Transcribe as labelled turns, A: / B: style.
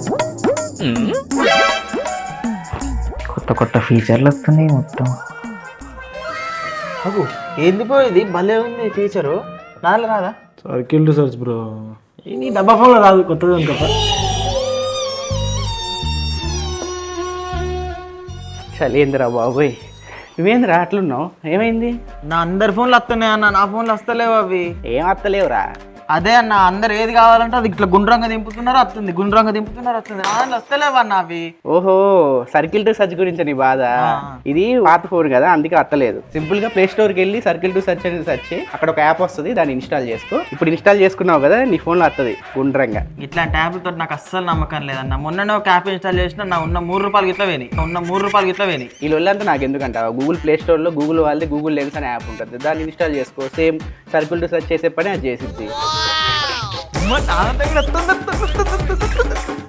A: కొత్త కొత్త ఫీచర్లు వస్తున్నాయి మొత్తం.
B: అగు ఏంది పోయేది భలే ఉంది ఫీచరు నాలో రాదా?
C: Circle to search bro. నీ డబ్బా ఫోన్లో రాదు, కొత్తది అనుకో.
D: చలేంద్రా బాబోయ్, నువ్వేంద్రా అట్లున్నావు? ఏమైంది?
B: నా అందరి ఫోన్లు వస్తున్నాయి అన్న, నా ఫోన్లు వస్తలేవు అవి.
D: ఏం అత్తలేవురా?
B: అదే అన్న, అందరు ఏది కావాలంటే అది ఇట్లా గుండ్రంగా దింపుతున్నారు వస్తుంది, గుండ్రంగా దింపుతున్నారు వస్తుంది. నా దాంట్లో వస్తలేవు అన్న అవి.
D: ఓహో, సర్కిల్ టు సర్చ్ గురించి నీ బాధ. ఇది పాత ఫోన్ కదా, అందుకే అత్తలేదు. సింపుల్ గా ప్లే స్టోర్కి వెళ్ళి సర్కిల్ టు సర్చ్ అని సెర్చ్ చేయి, అక్కడ ఒక యాప్ వస్తుంది, దాన్ని ఇన్స్టాల్ చేసుకో. ఇప్పుడు ఇన్స్టాల్ చేసుకున్నావు కదా, నీ ఫోన్లో వస్తుంది గుండ్రంగా.
B: ఇట్లాంటి యాప్లతో నాకు అస్సలు నమ్మకం లేదన్న. మొన్ననే ఒక యాప్ ఇన్స్టాల్ చేసిన, నా ఉన్న ₹3 ఇట్లా వేని.
D: ఈ లొల్లంతా నాకు ఎందుకంట, గూగుల్ ప్లే స్టోర్ లో గూగుల్ వాళ్ళది గూగుల్ లెన్స్ అనే యాప్ ఉంటుంది, దాన్ని ఇన్స్టాల్ చేసుకో. సేమ్ సర్కిల్ టు సర్చ్ చేసే పని అది చేసిద్ది.